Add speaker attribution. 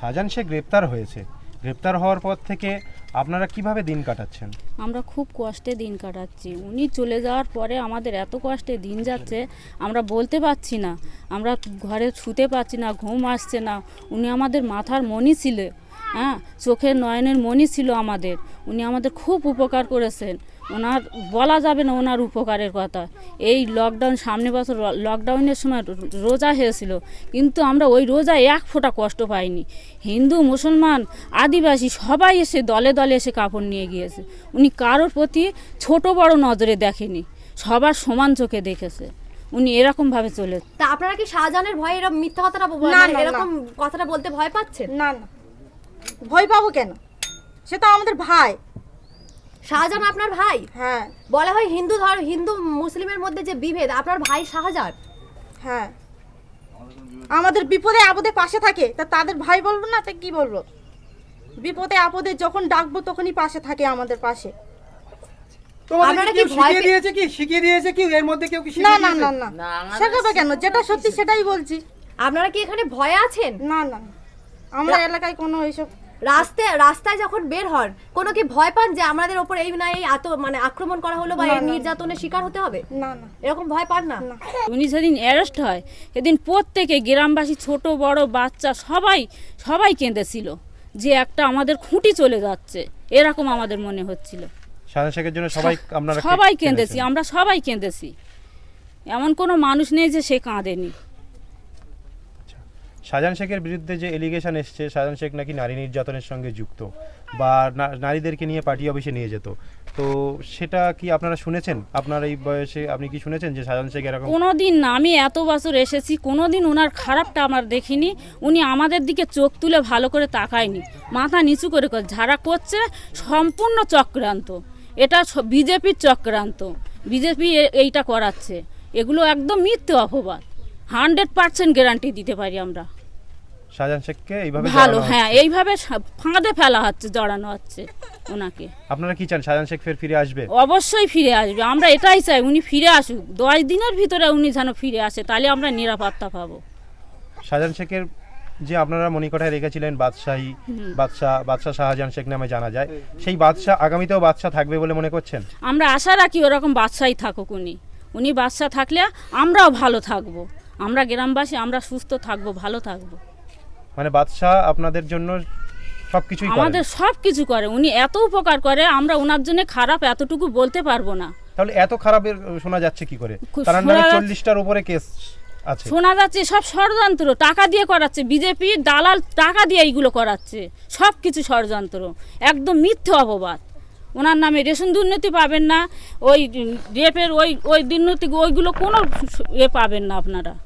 Speaker 1: শাহজাহান শেখ গ্রেপ্তার হয়েছে, গ্রেপ্তার হওয়ার পর থেকে আপনারা কিভাবে দিন কাটাচ্ছেন?
Speaker 2: আমরা খুব কষ্টে দিন কাটাচ্ছি। উনি চলে যাওয়ার পরে আমাদের এত কষ্টে দিন যাচ্ছে, আমরা বলতে পারছি না, আমরা ঘরে শুতে পারছি না, ঘুম আসছে না। উনি আমাদের মাথার মণি ছিল, হ্যাঁ, চোখের নয়নের মণি ছিল আমাদের। উনি আমাদের খুব উপকার করেছেন, ওনার বলা যাবে না ওনার উপকারের কথা। এই লকডাউন, সামনে বছর লকডাউনের সময় রোজা হয়েছিল, কিন্তু আমরা ওই রোজায় এক ফোঁটা কষ্ট পাইনি। হিন্দু, মুসলমান, আদিবাসী সবাই এসে দলে দলে এসে কাপড় নিয়ে গিয়েছে। উনি কারোর প্রতি ছোট বড় নজরে দেখেনি, সবার সমান চোখে দেখেছে। উনি এরকমভাবে চলে।
Speaker 3: তা আপনারা কি শাহজাহানের ভয়ে এরকম মিথ্যা কথাটা এরকম কথাটা বলতে ভয় পাচ্ছেন?
Speaker 4: না না, ভয় পাবো কেন? সে তো আমাদের ভাই।
Speaker 3: শাহজাহান আপনার ভাই?
Speaker 4: হ্যাঁ।
Speaker 3: বলা হয় হিন্দু মুসলিমের মধ্যে যে বিভেদ, আপনার ভাই শাহজাহান।
Speaker 4: হ্যাঁ, আমাদের বিপদে আপদে পাশে থাকে, তা তাদের ভাই বলবো না? তা কি বলবো? বিপদে আপদে যখন ডাকবো তখনই পাশে থাকে, আমাদের পাশে।
Speaker 3: আপনারা কি ভয়
Speaker 1: শিখিয়ে দিয়েছে কি এর মধ্যে কেউ কি?
Speaker 4: না না না না, শেখাবে কেন? যেটা সত্যি সেটাই বলছি।
Speaker 3: আপনারা কি এখানে ভয়ে আছেন?
Speaker 4: না না, আমরা এলাকায় কোনো এইসব
Speaker 3: রাস্তায় যখন বের হন, কোনো কি ভয় পান যে আমাদের ওপর এই না এই আক্রমণ করা হলো বা এই নির্যাতনের শিকার হতে হবে?
Speaker 4: না না,
Speaker 3: এরকম ভয় পান না?
Speaker 2: উনি যেদিন অ্যারেস্ট হয় সেদিন প্রত্যেকে গ্রামবাসী, ছোট বড় বাচ্চা সবাই কেঁদেছিল যে একটা আমাদের খুঁটি চলে যাচ্ছে, এরকম আমাদের মনে হচ্ছিল।
Speaker 1: শাহজাহান শেখের জন্য
Speaker 2: সবাই কেঁদেছি, আমরা সবাই কেঁদেছি। এমন কোনো মানুষ নেই যে সে কাঁদেনি।
Speaker 1: শাহজাহান শেখের বিরুদ্ধে যে এলিগেশন এসছে, শাহজাহান শেখ নাকি নারী নির্যাতনের সঙ্গে যুক্ত বা নারীদেরকে নিয়ে পার্টি অফিসে নিয়ে যেত, তো সেটা কি আপনারা শুনেছেন? আপনার এই বয়সে আপনি কি শুনেছেন যে শাহজাহান শেখ এরকম?
Speaker 2: কোনোদিন না, আমি এত বছর এসেছি, কোনোদিন ওনার খারাপটা আমার দেখিনি। উনি আমাদের দিকে চোখ তুলে ভালো করে তাকায়নি, মাথা নিচু করে যারা করছে সম্পূর্ণ চক্রান্ত, এটা বিজেপির চক্রান্ত। বিজেপি এইটা করাচ্ছে, এগুলো একদম মিথ্যে অপবাদ। 100% গ্যারান্টি দিতে পারি আমরা।
Speaker 1: শাহজাহান শেখকে এইভাবে
Speaker 2: ভালো, হ্যাঁ, এইভাবে ফাঁদে ফেলা হচ্ছে, জড়ানো হচ্ছে ওনাকে।
Speaker 1: আপনারা কি চান শাহজাহান শেখ ফিরে আসবে?
Speaker 2: অবশ্যই ফিরে আসবে, আমরা এটাই চাই, উনি ফিরে আসুক। 10 দিনের ভিতরে উনি যেন ফিরে আসে, তাহলে আমরা নিরাপত্তা পাবো।
Speaker 1: শাহজাহান শেখের যে আপনারা মণিকোঠায় রেখেছিলেন বাদশাহ শাহজাহান শেখ নামে জানা যায়, সেই বাদশাহ আগামীতেও বাদশাহ থাকবে বলে মনে করছেন?
Speaker 2: আমরা আশা রাখি ওরকম বাদশাহই থাকুক। উনি বাদশাহ থাকলে আমরাও ভালো থাকবো, আমরা গ্রামবাসী আমরা সুস্থ থাকবো, ভালো থাকবো।
Speaker 1: মানে বাদশাহ আপনাদের জন্য সবকিছুই করে,
Speaker 2: আমাদের সবকিছু করে, উনি এত উপকার করে, আমরা ওনার জন্য খারাপ এতটুকু বলতে পারবো না।
Speaker 1: তাহলে এত খারাপের শোনা যাচ্ছে কি করে? তার নামে 40টার উপরে কেস আছে।
Speaker 2: শোনা যাচ্ছে সব ষড়যন্ত্র, টাকা দিয়ে করাচ্ছে, বিজেপি দালাল টাকা দিয়ে এইগুলো করাচ্ছে, সব কিছু ষড়যন্ত্র, একদম মিথ্যে অপবাদ। ওনার নামে রেশন দুর্নীতি পাবেন না, ওই রেপের ওই দুর্নীতি ওইগুলো কোনো পাবেন না আপনারা।